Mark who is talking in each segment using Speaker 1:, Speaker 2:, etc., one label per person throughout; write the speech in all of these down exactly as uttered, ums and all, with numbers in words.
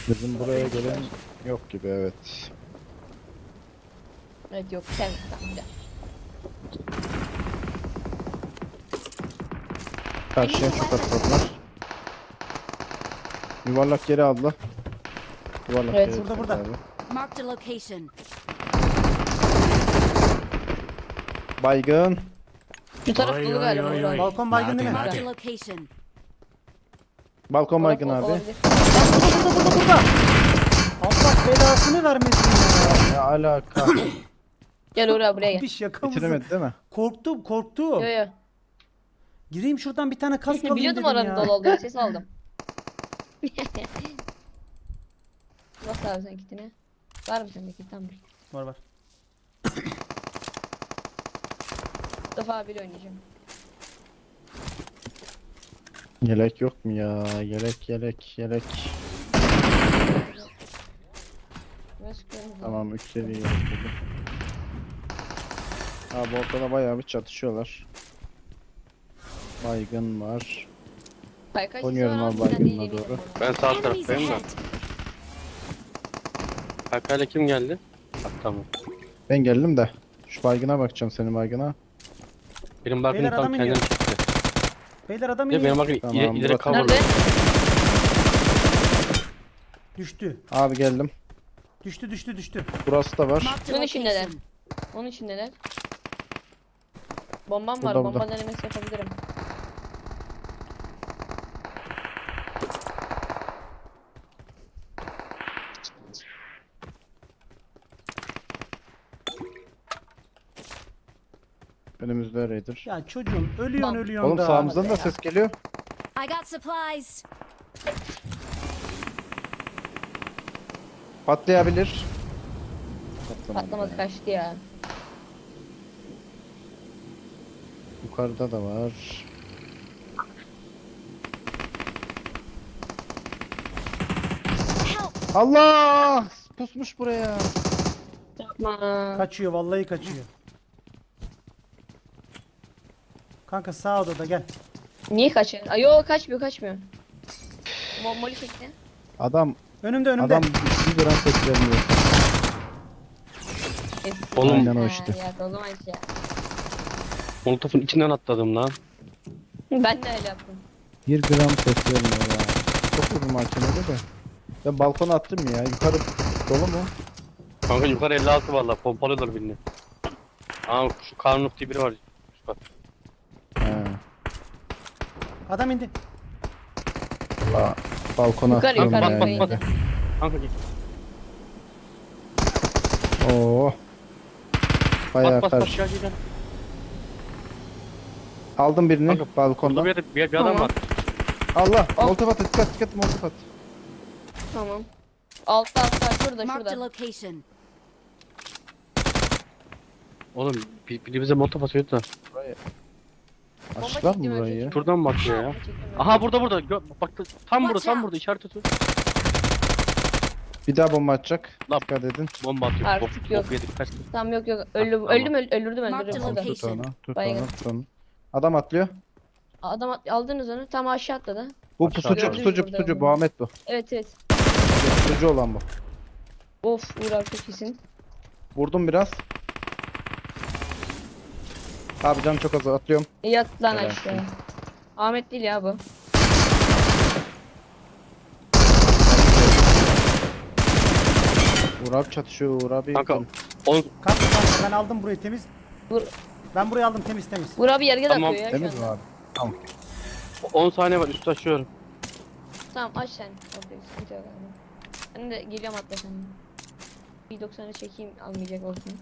Speaker 1: Bizim buraya gelen yok gibi, evet.
Speaker 2: Evet yok sen tamam gel.
Speaker 1: Karşıya şu katladılar. Yuvarlak geri aldı. Yuvarlak
Speaker 2: Evet,
Speaker 1: geri
Speaker 3: burada,
Speaker 1: aldı
Speaker 3: burada.
Speaker 1: abi.
Speaker 4: Marked a location.
Speaker 1: Baygın.
Speaker 2: Şu taraf
Speaker 5: Oy,
Speaker 2: dolu
Speaker 5: oy,
Speaker 2: galiba.
Speaker 5: oy,
Speaker 2: Uğur
Speaker 5: oy.
Speaker 2: abi.
Speaker 3: Balkon baygın değil mi?
Speaker 5: Hadi,
Speaker 4: Marked a
Speaker 5: hadi.
Speaker 4: location.
Speaker 1: Balkon
Speaker 2: Taraf
Speaker 1: baygın
Speaker 2: ol-
Speaker 1: abi.
Speaker 2: olabilir.
Speaker 3: Burada burada burada burada. Allah belasını vermesin ya.
Speaker 1: Ne alaka?
Speaker 2: Gel Uğur abi buraya gel.
Speaker 3: Bir şaka mısın?
Speaker 1: Bitiremedi değil mi?
Speaker 3: Korktum korktum.
Speaker 2: Yo yo.
Speaker 3: Gireyim şuradan bir tane kask alayım
Speaker 2: Biliyordum
Speaker 3: dedim
Speaker 2: oranın
Speaker 3: ya.
Speaker 2: dolu olduğunu, ses aldım. Nasıl abi sen kitini? Var mı sende kit? Tamam.
Speaker 3: Var var.
Speaker 2: Mustafa abiyle oynayacağım.
Speaker 1: Yelek yok mu ya? Yelek yelek yelek.
Speaker 2: Biraz sıkıyorum.
Speaker 1: Tamam, üç seviye yelek buldum. Abi ortada bayağı bir çatışıyorlar. Baygın var.
Speaker 2: Kaykay
Speaker 1: Oynuyorum
Speaker 2: sesi var
Speaker 1: abi
Speaker 2: ama sen
Speaker 1: baygınla
Speaker 2: değil,
Speaker 1: doğru.
Speaker 2: eminim
Speaker 6: Ben sağ
Speaker 4: Enemies
Speaker 6: taraftayım da.
Speaker 4: ahead.
Speaker 6: Kakayla kim geldi? Ha, tamam.
Speaker 1: Ben geldim de. Şu baygına bakacağım, senin baygına.
Speaker 6: Benim bakın
Speaker 3: Beyler,
Speaker 6: tam
Speaker 3: adam
Speaker 6: kendini
Speaker 3: iniyor.
Speaker 6: çekti.
Speaker 3: Beyler adam
Speaker 6: Ya
Speaker 3: iniyor.
Speaker 6: benim bakın
Speaker 1: Tamam,
Speaker 6: ileri, ileri
Speaker 1: burası-
Speaker 2: ona.
Speaker 6: coverlı.
Speaker 2: Nerede?
Speaker 3: Düştü.
Speaker 1: Abi geldim.
Speaker 3: Düştü düştü düştü.
Speaker 1: Burası da var.
Speaker 4: Marked a
Speaker 2: Bunun içindeler.
Speaker 4: location.
Speaker 2: Onun içindeler. Bombam var.
Speaker 1: Burada,
Speaker 2: Bomba
Speaker 1: burada.
Speaker 2: denemesi yapabilirim.
Speaker 1: Önümüzde Raider.
Speaker 3: Ya çocuğum ölüyorsun
Speaker 2: Bak.
Speaker 3: ölüyorsun
Speaker 1: Oğlum
Speaker 3: da.
Speaker 1: sağımızdan da
Speaker 2: ya.
Speaker 1: ses geliyor.
Speaker 4: I got supplies.
Speaker 1: Patlayabilir. Patlamadı.
Speaker 2: Patlamadı,
Speaker 1: ya.
Speaker 2: kaçtı ya.
Speaker 1: Yukarıda da var.
Speaker 4: Help.
Speaker 1: Allah! Pusmuş buraya.
Speaker 2: Yapma.
Speaker 3: Kaçıyor vallahi kaçıyor. Kanka sağ odada gel.
Speaker 2: Niye kaçıyor? Ay yok, kaçmıyor kaçmıyor. Mo Molly çekti.
Speaker 1: Adam
Speaker 3: Önümde önümde.
Speaker 1: adam bir gram ses vermiyor.
Speaker 2: Eski.
Speaker 6: Oğlum.
Speaker 1: Aynen o
Speaker 2: Ha,
Speaker 1: işte.
Speaker 2: Ya o zaman şey.
Speaker 6: Molotof'un içinden atladım lan.
Speaker 2: Ben de öyle yaptım.
Speaker 1: Bir gram ses vermiyor ya. Çok vurdum hakemede de. Ben balkona attım ya. Yukarı dolu mu?
Speaker 6: Kanka yukarı elli altı valla pompalıyorlar birini. Aa şu Karnuf diye biri var. Şu bak.
Speaker 1: He.
Speaker 3: Adam indi.
Speaker 1: Ba balkona
Speaker 2: Yukarı,
Speaker 1: atlıyorum
Speaker 2: yukarı,
Speaker 1: ya.
Speaker 2: yukarı
Speaker 1: yine
Speaker 2: indi.
Speaker 1: de.
Speaker 6: Kanka git.
Speaker 1: Oo. Bayağı
Speaker 6: Bas bas bas
Speaker 1: karşı.
Speaker 6: gel gel gel.
Speaker 1: Aldım birini
Speaker 6: Kanka, Burada
Speaker 1: balkonda.
Speaker 6: bir, yerde- bir, bir adam
Speaker 2: Tamam.
Speaker 6: var.
Speaker 1: Allah!
Speaker 2: Al.
Speaker 1: Molotof at, dikkat dikkat molotof at.
Speaker 2: Tamam. Altta altta şurada
Speaker 4: Marked a
Speaker 2: şurada.
Speaker 4: location.
Speaker 6: Oğlum bir, biri bize molotof atıyordu da.
Speaker 1: Burayı.
Speaker 2: Bomba
Speaker 1: Açtılar mı
Speaker 2: çektim,
Speaker 1: burayı?
Speaker 2: ölecek.
Speaker 6: Şuradan mı bakıyor ya?
Speaker 2: Çektim,
Speaker 6: Aha burada burada. Gö bak tam burada
Speaker 4: Watch
Speaker 6: tam
Speaker 4: out.
Speaker 6: burada işaret atıyor.
Speaker 1: Bir daha bomba atacak.
Speaker 6: Lan.
Speaker 1: Dikkat edin.
Speaker 6: Bomba atıyor.
Speaker 2: Artık
Speaker 6: Bok,
Speaker 2: yok.
Speaker 6: bok yedik kaçtı.
Speaker 2: Tamam yok yok öldüm
Speaker 6: Tamam.
Speaker 2: öldüm öl- öldürdüm
Speaker 4: Marked
Speaker 2: öldürdüm.
Speaker 4: a
Speaker 2: Orada.
Speaker 1: Tut
Speaker 4: location.
Speaker 1: onu, tut
Speaker 2: Baygın.
Speaker 1: onu, tut onu. Adam atlıyor.
Speaker 2: Adam at- aldınız onu, tam aşağı atladı.
Speaker 1: Bu
Speaker 6: Aşağı
Speaker 1: pusucu,
Speaker 6: gördünüz
Speaker 1: pusucu,
Speaker 2: burada
Speaker 1: pusucu.
Speaker 2: bunu.
Speaker 1: Bu Ahmet bu.
Speaker 2: Evet evet.
Speaker 1: Pusucu olan bu.
Speaker 2: Of Uğur abi çok iyisin.
Speaker 1: Vurdum biraz. Abi canım çok az, atlıyorum.
Speaker 2: Yat lan
Speaker 1: Helal
Speaker 2: aşağı.
Speaker 1: olsun.
Speaker 2: Ahmet değil ya bu.
Speaker 1: Uğur abi çatışıyor, Uğur abi.
Speaker 6: Kanka on
Speaker 3: Kanka kanka ben aldım burayı temiz.
Speaker 2: Vur.
Speaker 3: Ben burayı aldım temiz temiz.
Speaker 2: Uğur abi yargı da
Speaker 6: Tamam,
Speaker 2: atıyor ya şu
Speaker 1: Temiz mi
Speaker 2: anda.
Speaker 1: abi? Tamam.
Speaker 6: on saniye var üstü açıyorum.
Speaker 2: Tamam aç sen. Orada sıkıntı yok abi. Ben de geliyorum atla sen. Bir doksanı çekeyim almayacak olsun.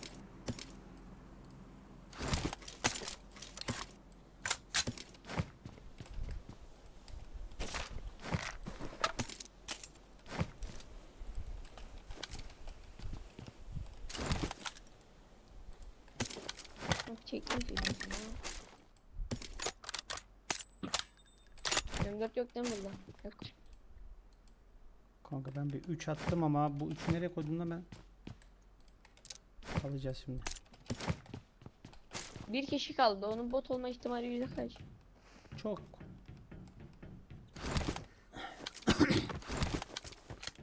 Speaker 2: Bak çektim çektim. yirmi dört yok değil mi burada? Yok.
Speaker 3: Kanka ben bir üç attım ama bu üçü nereye koydum da ben? Alacağız şimdi.
Speaker 2: Bir kişi kaldı. Onun bot olma ihtimali yüzde kaç?
Speaker 3: Çok.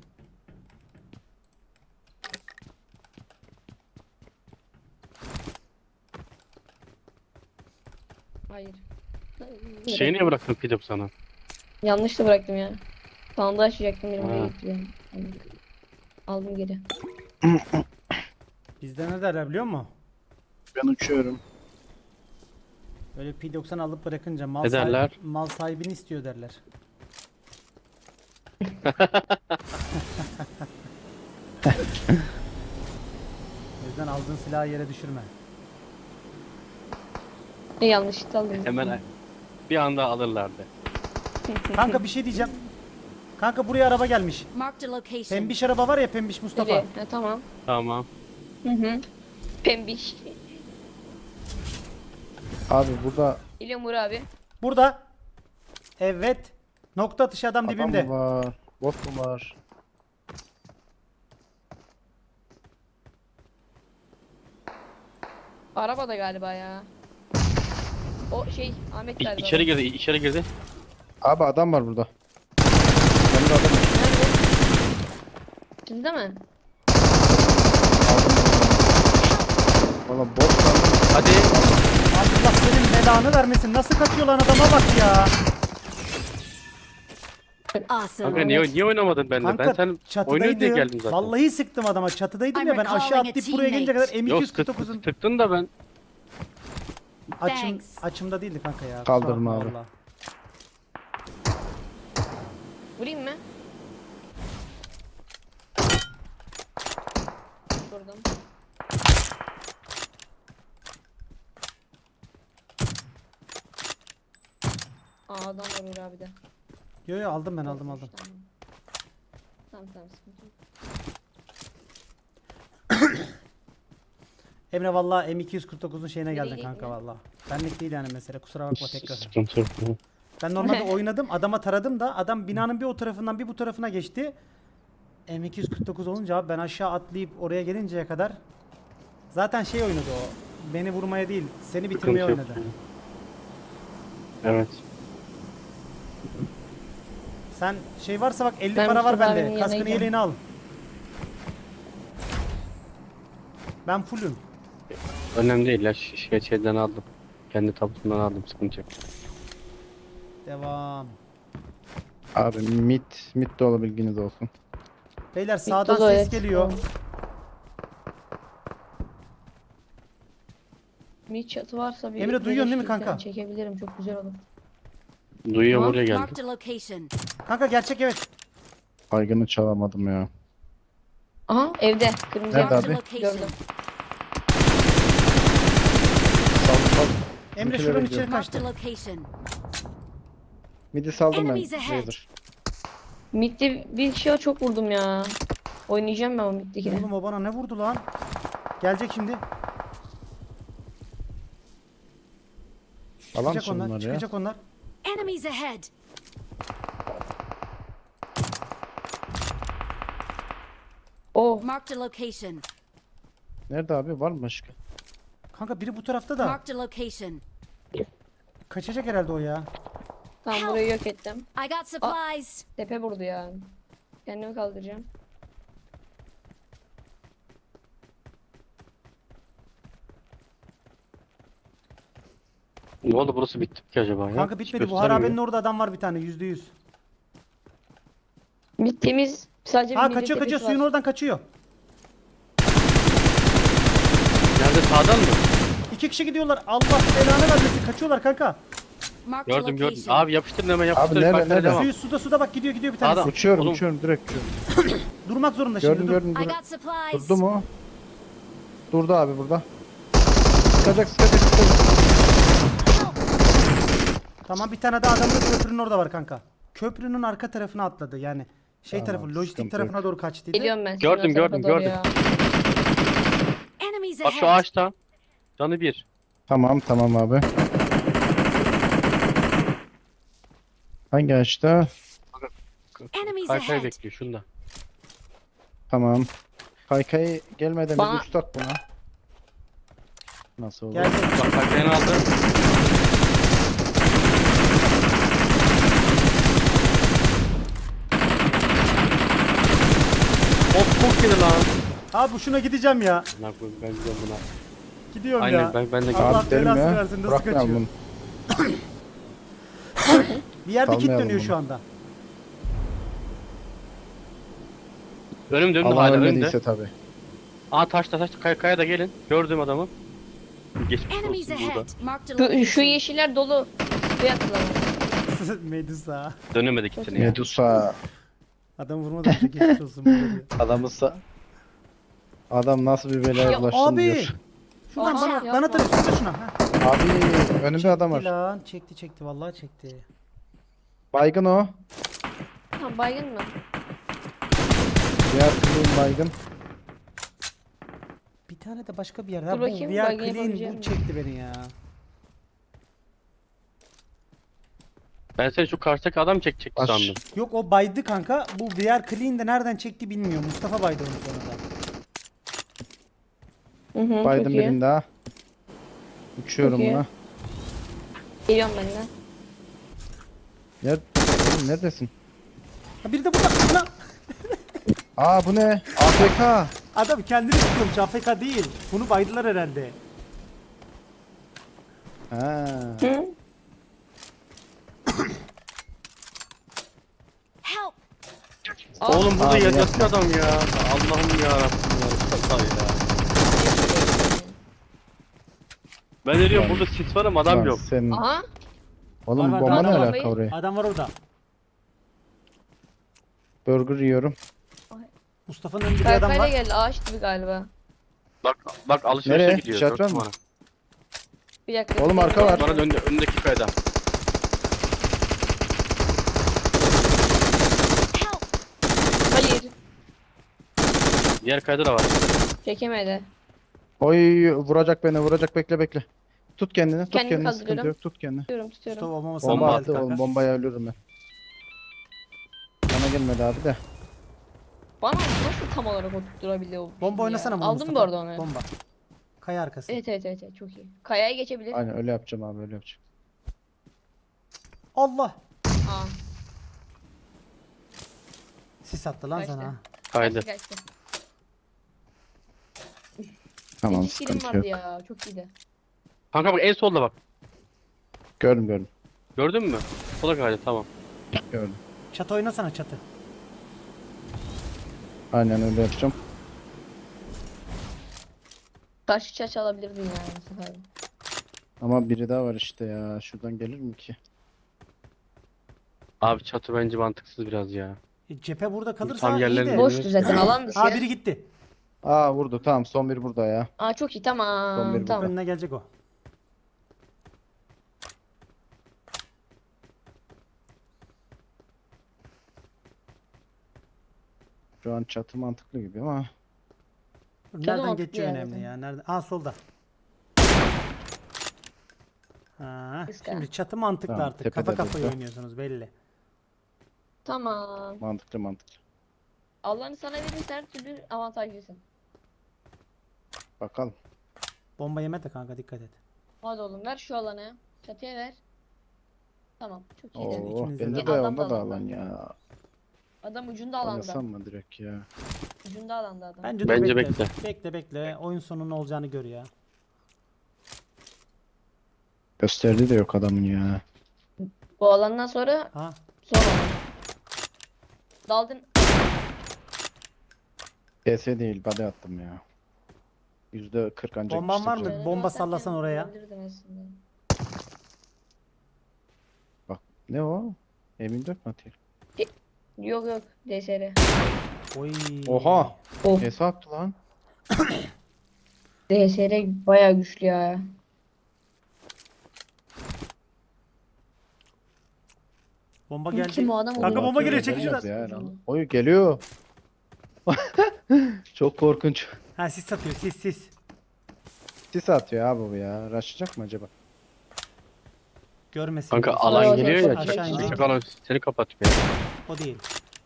Speaker 2: Hayır.
Speaker 6: Şeyi niye bıraktın Pidop sana?
Speaker 2: Yanlış da bıraktım ya. Sandığı açacaktım benim
Speaker 6: Ha.
Speaker 2: oraya getiriyorum. Aldım geri.
Speaker 3: Bizde ne derler biliyor musun?
Speaker 1: Ben uçuyorum.
Speaker 3: Böyle P doksan alıp bırakınca mal,
Speaker 6: Ne derler?
Speaker 3: sahibi, mal sahibini istiyor derler. O yüzden aldığın silahı yere düşürme.
Speaker 2: Ne yanlışlıkla aldım.
Speaker 6: Hemen bir anda alırlardı.
Speaker 3: Kanka bir şey diyeceğim. Kanka buraya araba gelmiş.
Speaker 4: Marked a location.
Speaker 3: Pembiş araba var ya, pembiş Mustafa.
Speaker 2: Nereye? Ha, tamam.
Speaker 6: Tamam.
Speaker 2: Hı hı. Pembiş.
Speaker 1: Abi burada
Speaker 2: İlyam Uğur abi.
Speaker 3: Burada. Evet. Nokta atışı adam
Speaker 1: adam
Speaker 3: dibimde.
Speaker 1: mı var? Bot mu var?
Speaker 2: Arabada galiba ya. O şey Ahmet
Speaker 6: İ-
Speaker 2: galiba.
Speaker 6: içeri girdi, içeri girdi.
Speaker 1: Abi adam var burada. Yanında adam var.
Speaker 2: Nerede? Şimdi mi?
Speaker 1: Valla bot sandım.
Speaker 6: Hadi.
Speaker 3: Allah senin belanı vermesin. Nasıl kaçıyor lan adama bak ya.
Speaker 4: Awesome.
Speaker 6: Kanka niye, niye oynamadın benimle? Ben
Speaker 3: Kanka
Speaker 6: sen oynuyor diye
Speaker 3: çatıdaydım.
Speaker 6: geldim zaten.
Speaker 3: Vallahi sıktım adama. Çatıdaydım
Speaker 4: I'm
Speaker 3: ya, ben aşağı
Speaker 4: recalling a
Speaker 3: atlayıp buraya gelince kadar
Speaker 4: teammate.
Speaker 3: M
Speaker 6: Yok
Speaker 3: iki yüz kırk
Speaker 6: sık,
Speaker 3: dokuzun
Speaker 6: tıktın da ben.
Speaker 3: açım,
Speaker 4: Thanks.
Speaker 3: açımda değildi kanka ya.
Speaker 1: Kaldırma
Speaker 3: Kusura
Speaker 1: abi.
Speaker 3: bakma
Speaker 2: Vurayım mı? Vurdum. Aa adam var Uğur abi de.
Speaker 3: Yo yo aldım ben aldım aldım.
Speaker 2: Tamam. Tamam tamam sıkıntı yok.
Speaker 3: Emre vallahi M iki yüz kırk dokuzun şeyine
Speaker 2: Nereye
Speaker 3: geldin
Speaker 2: gidiyor?
Speaker 3: kanka vallahi. Benlik değil yani mesele, kusura bakma tekrar.
Speaker 6: Sıkıntı yok.
Speaker 3: Ben normalde oynadım, adama taradım da adam binanın bir o tarafından bir bu tarafına geçti. M iki yüz kırk dokuz olunca abi ben aşağı atlayıp oraya gelinceye kadar zaten şey oynadı o. Beni vurmaya değil, seni bitirmeye
Speaker 6: Sıkıntı yok.
Speaker 3: oynadı.
Speaker 6: Evet.
Speaker 3: Sen şey varsa bak elli
Speaker 2: Ben
Speaker 3: para var
Speaker 2: Mustafa abinin
Speaker 3: bende.
Speaker 2: yanına
Speaker 3: Kaskını
Speaker 2: gidiyorum.
Speaker 3: yeleğini al. Ben fullüm.
Speaker 6: Önemli değil ya. Ş- Şey, şeyden aldım. Kendi tabutundan aldım. Sıkıntı yok.
Speaker 3: Devam.
Speaker 1: Abi mit mit de olur, bilginiz olsun.
Speaker 3: Beyler sağdan
Speaker 2: Dolu,
Speaker 3: ses
Speaker 2: evet.
Speaker 3: geliyor.
Speaker 2: Tamam. Bir çatı varsa bir
Speaker 3: Emre, duyuyorsun değil mi
Speaker 2: birleştirirsen
Speaker 3: kanka?
Speaker 2: Çekebilirim çok güzel olur.
Speaker 6: Duyuyorum
Speaker 2: Tamam.
Speaker 6: oraya geldim.
Speaker 4: Marked a location.
Speaker 3: Kanka gerçek evet.
Speaker 1: Baygını çalamadım ya.
Speaker 2: Aha evde kırmızı
Speaker 1: Nerede
Speaker 4: Marked a
Speaker 1: abi?
Speaker 4: location.
Speaker 2: gördüm.
Speaker 1: Sal sal.
Speaker 3: Emre
Speaker 1: Bizimkilere
Speaker 3: şuranın
Speaker 1: gidiyor.
Speaker 3: içeri
Speaker 4: Marked a
Speaker 3: kaçtı.
Speaker 4: location.
Speaker 1: Midi saldım ben.
Speaker 4: Enemies ahead.
Speaker 1: Raider.
Speaker 2: Mid'de bir şey çok vurdum ya. Oynayacağım ben o mid'dekine.
Speaker 3: Oğlum o bana ne vurdu lan? Gelecek şimdi.
Speaker 1: Alan
Speaker 3: Çıkacak
Speaker 1: dışı
Speaker 3: onlar,
Speaker 1: bunlar ya.
Speaker 3: çıkacak onlar.
Speaker 4: Enemies ahead.
Speaker 2: Oh
Speaker 4: Marked a location.
Speaker 1: Nerede abi, var mı başka?
Speaker 3: Kanka biri bu tarafta da.
Speaker 4: Marked a location.
Speaker 3: Kaçacak herhalde o ya.
Speaker 2: tam burayı yok ettim.
Speaker 4: I got supplies.
Speaker 2: Tepe vurdu ya. Kendimi kaldıracağım.
Speaker 6: Ne oldu, burası bitti mi ki acaba ya?
Speaker 3: Kanka
Speaker 6: Hiç
Speaker 3: bitmedi. Bu
Speaker 6: göstermiyor.
Speaker 3: harabenin orada adam var bir tane, yüzde yüz.
Speaker 2: Mid temiz. Sadece
Speaker 3: Ha
Speaker 2: bir
Speaker 3: kaçıyor kaçıyor, suyun oradan kaçıyor.
Speaker 6: Nerede, sağdan mı?
Speaker 3: İki kişi gidiyorlar. Allah belanı vermesin. Kaçıyorlar kanka.
Speaker 4: Marked a
Speaker 6: Gördüm gördüm.
Speaker 4: location.
Speaker 6: Abi yapıştırın hemen yapıştırın.
Speaker 1: nerede,
Speaker 6: Parklara
Speaker 1: nerede?
Speaker 6: devam.
Speaker 3: Suyu suda suda bak, gidiyor gidiyor bir tanesi.
Speaker 6: Adam-
Speaker 1: Uçuyorum
Speaker 6: Oğlum.
Speaker 1: uçuyorum direkt uçuyorum.
Speaker 3: Durmak zorunda şimdi.
Speaker 1: Gördüm
Speaker 3: dur.
Speaker 1: gördüm
Speaker 4: I
Speaker 1: gördüm.
Speaker 4: got supplies.
Speaker 1: Durdu mu? Durdu abi burada. Sıkacak sıkacak sıkacak.
Speaker 3: Tamam, bir tane daha adam da köprünün orada var kanka. Köprünün arka tarafına atladı yani. Şey
Speaker 1: Tamam,
Speaker 3: tarafı, lojistik
Speaker 1: sıkıntı
Speaker 3: tarafına
Speaker 1: yok.
Speaker 3: doğru kaçtıydı.
Speaker 2: Geliyorum ben.
Speaker 6: Gördüm,
Speaker 2: senin o
Speaker 6: gördüm,
Speaker 2: tarafa doğru
Speaker 6: gördüm.
Speaker 2: ya.
Speaker 4: Enemies
Speaker 6: Bak şu
Speaker 4: ahead.
Speaker 6: ağaçta. Canı bir.
Speaker 1: Tamam tamam abi. Hangi ağaçta?
Speaker 4: Enemies
Speaker 6: Kaykay
Speaker 4: ahead.
Speaker 6: bekliyor şunda.
Speaker 1: Tamam. Kaykayı gelmeden
Speaker 2: Bana-
Speaker 1: bir uçtak buna. Nasıl olur?
Speaker 3: Geldi.
Speaker 6: Bak kaykayını aldı. Hop çok geri lan.
Speaker 3: Abi bu şuna gideceğim ya.
Speaker 6: Ne yapayım, ben gidiyorum buna.
Speaker 3: Gidiyorum
Speaker 6: Aynen
Speaker 3: ya.
Speaker 6: ben ben de
Speaker 3: Allah
Speaker 1: Abi derim
Speaker 3: belasını
Speaker 1: ya.
Speaker 3: versin, nasıl
Speaker 1: Bırakmayalım
Speaker 3: kaçıyor?
Speaker 1: bunu.
Speaker 3: Bir yerde kit
Speaker 1: Salmayalım
Speaker 3: dönüyor
Speaker 1: bunu.
Speaker 3: şu anda.
Speaker 6: Önümde önümde
Speaker 1: Allah
Speaker 6: hala önümde.
Speaker 1: ölmediyse tabi.
Speaker 6: Aa taşta taşta kaya, kaya da gelin. Gördüğüm adamı. Geçmiş
Speaker 4: Enemies
Speaker 6: olsun burada.
Speaker 4: ahead. Marked a
Speaker 2: Şu,
Speaker 4: location.
Speaker 2: şu yeşiller dolu. Suya attılar.
Speaker 3: Medusa.
Speaker 6: Dönemedik kitini ya.
Speaker 1: Medusa.
Speaker 3: Adam vurmadan önce geçmiş olsun. burada diyor.
Speaker 1: Adamısa. Adam nasıl bir belaya
Speaker 2: Ya
Speaker 1: bulaştın
Speaker 3: Abi.
Speaker 1: diyor.
Speaker 3: Şuradan
Speaker 2: Aha,
Speaker 3: bana,
Speaker 2: yapma.
Speaker 3: bana tarif şurada şuna. Ha.
Speaker 1: Abi önümde adam
Speaker 3: Çekti
Speaker 1: var.
Speaker 3: lan. Çekti çekti vallahi çekti.
Speaker 1: Baygın o.
Speaker 2: Ha baygın mı?
Speaker 1: Diğer kılığın baygın.
Speaker 3: Bir tane de başka bir yerde.
Speaker 2: Dur
Speaker 3: Ha, bu
Speaker 2: bakayım,
Speaker 3: V R
Speaker 2: baygın
Speaker 3: Clean
Speaker 2: yapabileceğim
Speaker 3: bu
Speaker 2: mi?
Speaker 3: çekti beni ya.
Speaker 6: Ben seni şu karşıdaki adam çekecekti
Speaker 1: Aş-
Speaker 6: sandım.
Speaker 3: Yok o baydı kanka. Bu V R Clean de nereden çekti bilmiyorum. Mustafa baydı onu sonra da.
Speaker 2: Hı hı,
Speaker 1: Baydım
Speaker 2: çok iyi.
Speaker 1: birini daha. Uçuyorum
Speaker 2: Çok iyi.
Speaker 1: buna.
Speaker 2: Geliyorum ben de.
Speaker 1: Ner Oğlum neredesin?
Speaker 3: Ha biri de burada. Lan!
Speaker 1: Aa bu ne? A F K.
Speaker 3: Adam kendini tutuyormuş. A F K değil. Bunu baydılar herhalde.
Speaker 1: Ha.
Speaker 2: Hı?
Speaker 4: Help!
Speaker 6: Oğlum burada
Speaker 1: Abi
Speaker 6: yatıyor adam ya. Allah'ım ya Rabbim ya. Mustafa ya. Ben de diyorum burada sis var ama adam
Speaker 1: Lan
Speaker 6: yok.
Speaker 1: Senin...
Speaker 2: Aha.
Speaker 1: Oğlum
Speaker 3: Var, var,
Speaker 1: bomba
Speaker 3: var,
Speaker 1: ne
Speaker 3: var.
Speaker 1: alaka oraya?
Speaker 3: Adam var orada.
Speaker 1: Burger yiyorum.
Speaker 3: Mustafa'nın önünde bir adam
Speaker 2: Kaykayla
Speaker 3: var.
Speaker 2: geldi. Ağaç gibi galiba.
Speaker 6: Bak bak alışverişe
Speaker 1: Nereye?
Speaker 6: gidiyor.
Speaker 1: İşaret
Speaker 6: dört
Speaker 1: var mı?
Speaker 6: numara.
Speaker 2: Bir dakika.
Speaker 1: Oğlum, arka var.
Speaker 6: Bana önde, öndeki kayada.
Speaker 4: Help!
Speaker 2: Hayır.
Speaker 6: Diğer kayada da var.
Speaker 2: Çekemedi.
Speaker 1: Oy vuracak beni vuracak bekle bekle. Tut kendini tut
Speaker 2: Kendimi
Speaker 1: kendini sıkıntı
Speaker 2: kaldırıyorum.
Speaker 1: yok tut kendini.
Speaker 2: Tutuyorum tutuyorum.
Speaker 3: Mustafa olmamasına
Speaker 1: Bomba
Speaker 6: Bomba
Speaker 3: geldi
Speaker 1: attı
Speaker 3: kanka.
Speaker 1: oğlum bombaya ölürüm ben. Bana gelmedi abi de.
Speaker 2: Bana nasıl tam olarak oturtturabiliyor bu
Speaker 3: Bomba
Speaker 2: ya?
Speaker 3: oynasana bunu
Speaker 2: Aldım
Speaker 3: Mustafa.
Speaker 2: bu arada onu.
Speaker 3: Bomba. Kaya arkası.
Speaker 2: Evet evet evet evet, çok iyi. Kayaya geçebilir.
Speaker 1: Aynen öyle yapacağım abi öyle yapacağım.
Speaker 3: Allah.
Speaker 2: Aa.
Speaker 3: Sis attı lan
Speaker 2: Kaçtı.
Speaker 3: sana.
Speaker 6: Kaydı.
Speaker 2: Kaçtı kaçtı.
Speaker 1: Tamam
Speaker 2: İki kilim
Speaker 1: sıkıntı
Speaker 2: vardı
Speaker 1: yok.
Speaker 2: ya. Çok iyiydi.
Speaker 6: Kanka bak en solda bak.
Speaker 1: Gördüm gördüm
Speaker 6: Gördün mü? Sola kaydı tamam.
Speaker 1: gördüm.
Speaker 3: Çatı oynasana çatı.
Speaker 1: Aynen öyle yapacağım.
Speaker 2: Taş çaç alabilirdin yani bu sefer.
Speaker 1: Ama biri daha var işte ya. Şuradan gelir mi ki?
Speaker 6: Abi çatı bence mantıksız biraz ya.
Speaker 3: E, cephe burada kalırsa
Speaker 6: Tam
Speaker 3: iyi
Speaker 6: yerlerine
Speaker 3: de.
Speaker 6: Boş.
Speaker 2: Boştu zaten alan dışı.
Speaker 3: Aa biri gitti.
Speaker 1: Aa vurdu tamam son bir burada ya.
Speaker 2: Aa çok iyi
Speaker 1: Son
Speaker 2: tamam
Speaker 1: bir
Speaker 2: tamam.
Speaker 3: Önüne gelecek o.
Speaker 1: Şu an çatı mantıklı gibi ama.
Speaker 3: Nereden
Speaker 2: mantıklı
Speaker 3: geçiyor
Speaker 2: yani
Speaker 3: önemli
Speaker 2: zaten.
Speaker 3: ya. Nerede? Aa solda. Ha,
Speaker 2: Iska.
Speaker 3: şimdi çatı mantıklı
Speaker 1: Tamam,
Speaker 3: artık.
Speaker 1: tepede
Speaker 3: Kafa kafaya
Speaker 1: durdu.
Speaker 3: oynuyorsunuz belli.
Speaker 2: Tamam.
Speaker 1: Mantıklı mantıklı.
Speaker 2: Allah'ını sana verirse her türlü avantajlısın.
Speaker 1: Bakalım.
Speaker 3: Bomba yeme de kanka dikkat et.
Speaker 2: Hadi oğlum ver şu alanı. Çatıya ver. Tamam çok iyi.
Speaker 1: Oo
Speaker 3: ikiniz de
Speaker 1: bende
Speaker 3: de.
Speaker 1: de
Speaker 2: Adam da
Speaker 1: onda da
Speaker 2: alanda.
Speaker 1: alan ya.
Speaker 2: Adam ucunda alanda.
Speaker 1: Oynasam mı direkt ya?
Speaker 2: Ucunda alanda adam.
Speaker 3: Bence de
Speaker 6: Bence
Speaker 3: bekle.
Speaker 6: bekle.
Speaker 3: Bekle bekle. Oyun sonunun olacağını gör ya.
Speaker 1: Gösterdi de yok adamın ya.
Speaker 2: Bu alandan sonra
Speaker 3: Ha.
Speaker 2: son alan. Daldın.
Speaker 1: P S değil body attım ya. Yüzde kırk ancak
Speaker 3: Bomban var mı?
Speaker 1: işleyeceğim.
Speaker 3: Bomba
Speaker 2: Atarken
Speaker 3: sallasan oraya.
Speaker 2: vurabilirdin aslında.
Speaker 1: Ne o? M yirmi dört mi atıyor?
Speaker 2: Yok yok D S R.
Speaker 3: Oy.
Speaker 1: Oha!
Speaker 2: Of
Speaker 1: P S attı lan.
Speaker 2: D S R bayağı güçlü ya.
Speaker 3: Bomba
Speaker 2: Kim
Speaker 3: geldi.
Speaker 2: o adam
Speaker 3: Kanka
Speaker 2: oluyor?
Speaker 3: bomba geliyor,
Speaker 1: Gelmez
Speaker 3: çekil
Speaker 1: ya
Speaker 2: şuradan.
Speaker 1: lan. Oy geliyor. Çok korkunç.
Speaker 3: Ha sis atıyor sis sis.
Speaker 1: Sis atıyor abi bu ya. Raşlayacak mı acaba?
Speaker 3: Görmesin.
Speaker 6: Kanka
Speaker 3: diye.
Speaker 6: alan
Speaker 2: Aşağı
Speaker 6: geliyor ya.
Speaker 2: inecek.
Speaker 3: Aşağı
Speaker 6: Çak,
Speaker 3: inecek.
Speaker 6: çak alan seni kapatıyor.
Speaker 3: O değil.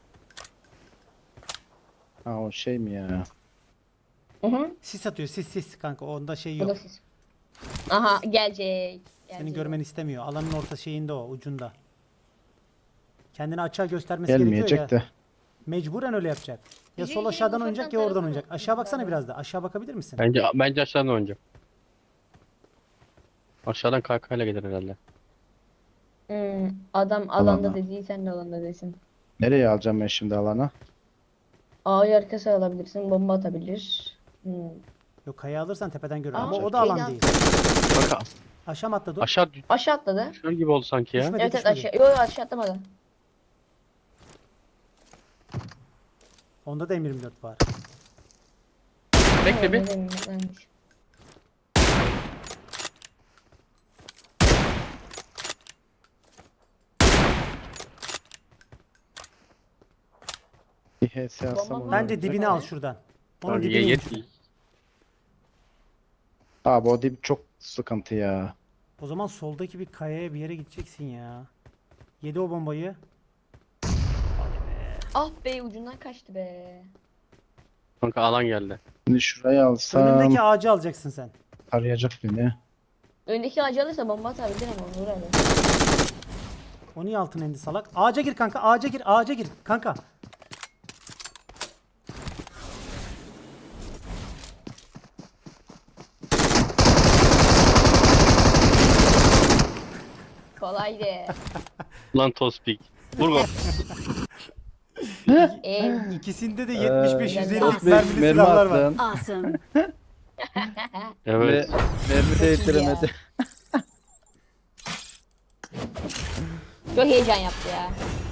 Speaker 1: Ha o şey mi ya?
Speaker 2: Hı hı.
Speaker 3: Sis atıyor sis sis kanka onda şey
Speaker 2: Bu da
Speaker 3: yok.
Speaker 2: siz. Aha gelecek.
Speaker 3: Seni
Speaker 2: Gelecek.
Speaker 3: görmeni istemiyor. Alanın orta şeyinde o ucunda. Kendini açığa göstermesi
Speaker 1: Gelmeyecek
Speaker 3: gerekiyor ya.
Speaker 1: de.
Speaker 3: Mecburen öyle yapacak. Ya
Speaker 2: Bizim
Speaker 3: sol
Speaker 2: yine
Speaker 3: aşağıdan
Speaker 2: ufaktan
Speaker 3: oynayacak ya oradan
Speaker 2: tarafına
Speaker 3: oynayacak. Aşağı baksana biraz da. Aşağı bakabilir misin?
Speaker 6: Bence bence aşağıdan oynayacak. Aşağıdan kaykayla gelir herhalde.
Speaker 2: Hmm, adam alanda
Speaker 1: Alana.
Speaker 2: dediği sen de alanda desin.
Speaker 1: Nereye alacağım ben şimdi alana?
Speaker 2: Ağacı arkası alabilirsin. Bomba atabilir. Hmm.
Speaker 3: Yok kaya alırsan tepeden görür
Speaker 2: Aa,
Speaker 3: ama o
Speaker 1: çok
Speaker 3: da alan
Speaker 2: iyi
Speaker 3: değil.
Speaker 6: Kanka
Speaker 3: Aşağı mı atladı o?
Speaker 6: aşağı
Speaker 2: Aşağı atladı.
Speaker 6: düşer gibi oldu sanki ya.
Speaker 3: Düşmedi
Speaker 2: Evet evet
Speaker 3: düşmedi.
Speaker 2: aşağı. Yok yok aşağı atlamadı.
Speaker 3: Onda da M yirmi dört var.
Speaker 6: Bekle bir.
Speaker 2: Evet, evet, evet.
Speaker 1: Bir H S alsam
Speaker 2: Bomba
Speaker 1: olur.
Speaker 2: mı?
Speaker 3: Bence dibini al
Speaker 2: Abi.
Speaker 3: şuradan. Onun
Speaker 6: Abi,
Speaker 3: dibini
Speaker 6: ye-
Speaker 3: yet.
Speaker 6: yet-
Speaker 1: Abi o dip çok sıkıntı ya.
Speaker 3: O zaman soldaki bir kayaya bir yere gideceksin ya. Yedi o bombayı.
Speaker 2: Ah be ucundan kaçtı be.
Speaker 6: Kanka alan geldi.
Speaker 1: Şimdi şurayı alsam
Speaker 3: Önündeki ağacı alacaksın sen.
Speaker 1: arayacak beni.
Speaker 2: Öndeki ağacı alırsa bomba atabilir ama vur abi.
Speaker 3: O niye altına indi salak? Ağaca gir kanka, ağaca gir, ağaca gir kanka.
Speaker 2: Kolaydı.
Speaker 6: Lan Tospik. Vur gol.
Speaker 2: Ev.
Speaker 3: İkisinde de yetmiş beş yüz ellilik
Speaker 2: Ee,
Speaker 3: mermili
Speaker 1: mermi
Speaker 3: silahlar var.
Speaker 1: attın.
Speaker 4: Awesome.
Speaker 6: Evet.
Speaker 1: Ve mermi de yetiremedi.
Speaker 2: Çok heyecan yaptı ya.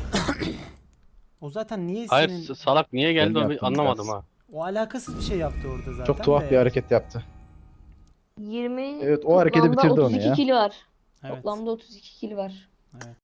Speaker 3: O zaten niye
Speaker 6: Hayır
Speaker 3: senin...
Speaker 6: s- salak niye geldi
Speaker 1: Ben
Speaker 6: onu
Speaker 1: yaptım
Speaker 6: anlamadım
Speaker 1: biraz.
Speaker 6: ha.
Speaker 3: O alakasız bir şey yaptı orada zaten
Speaker 1: Çok tuhaf
Speaker 3: de.
Speaker 1: bir hareket yaptı.
Speaker 2: yirmi
Speaker 1: Evet, o hareketi
Speaker 2: toplamda
Speaker 1: bitirdi onu
Speaker 2: otuz iki
Speaker 1: ya.
Speaker 2: kill var.
Speaker 3: Evet.
Speaker 2: Toplamda otuz iki kill var.
Speaker 3: Evet.